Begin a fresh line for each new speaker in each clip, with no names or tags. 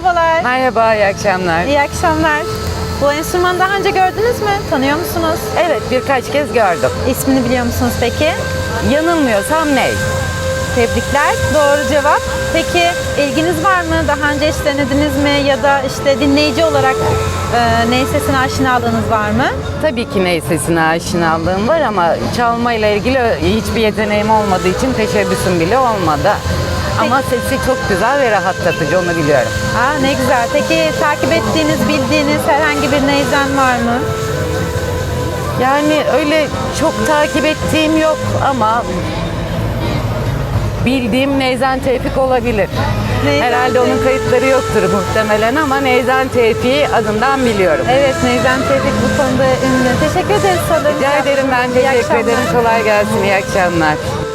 Merhabalar.
Merhaba, iyi akşamlar.
İyi akşamlar. Bu enstrümanı daha önce gördünüz mü? Tanıyor musunuz?
Evet, birkaç kez gördüm.
İsmini biliyor musunuz peki?
Yanılmıyorsam ney?
Tebrikler. Doğru cevap. Peki ilginiz var mı? Daha önce hiç denediniz mi? Ya da işte dinleyici olarak ney sesine aşinalığınız var mı?
Tabii ki ney sesine aşinalığım var ama çalmayla ilgili hiçbir yeteneğim olmadığı için teşebbüsüm bile olmadı. Ama sesi çok güzel ve rahatlatıcı, onu biliyorum.
Aa, ne güzel. Peki takip ettiğiniz, bildiğiniz herhangi bir neyzen var mı?
Yani öyle çok takip ettiğim yok ama bildiğim Neyzen Tevfik olabilir.
Neyzen
Herhalde onun kayıtları yoktur muhtemelen ama Neyzen Tevfik'i adından biliyorum.
Evet, Neyzen Tevfik bu konuda ünlü. Teşekkür ederiz sorularınız.
Rica ederim, ben teşekkür ederim. Kolay gelsin, iyi akşamlar.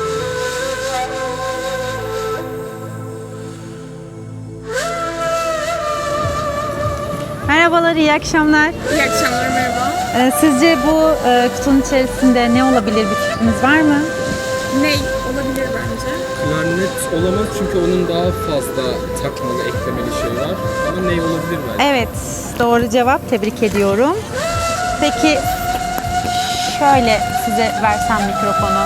Merhabalar, iyi akşamlar.
İyi akşamlar, merhaba.
Sizce bu kutunun içerisinde ne olabilir, bir fikriniz var mı?
Ney olabilir bence.
Klarnet olamaz çünkü onun daha fazla takmalı, eklemeli şey var. Ama ney olabilir bence?
Evet, doğru cevap. Tebrik ediyorum. Peki, şöyle size versem mikrofonu.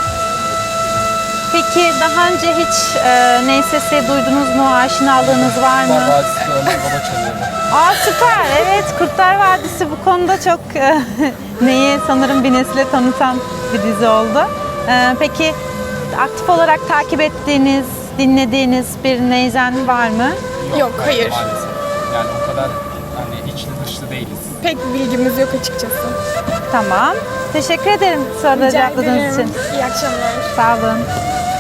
Peki daha önce hiç ney sesi duydunuz mu, aşinalığınız var mı?
Vadisi örnek baba çalıyordu.
Aa, süper. Evet, Kurtlar Vadisi bu konuda çok neyi sanırım bir nesile tanıtan bir dizi oldu. Peki aktif olarak takip ettiğiniz, dinlediğiniz bir neyzen var mı?
Yok, hayır.
Maalesef. Yani o kadar hani içli dışlı değiliz.
Pek bilgimiz yok açıkçası.
Tamam. Teşekkür ederim soruları
Rica
cevapladığınız
ederim.
için.
İyi akşamlar.
Sağ olun.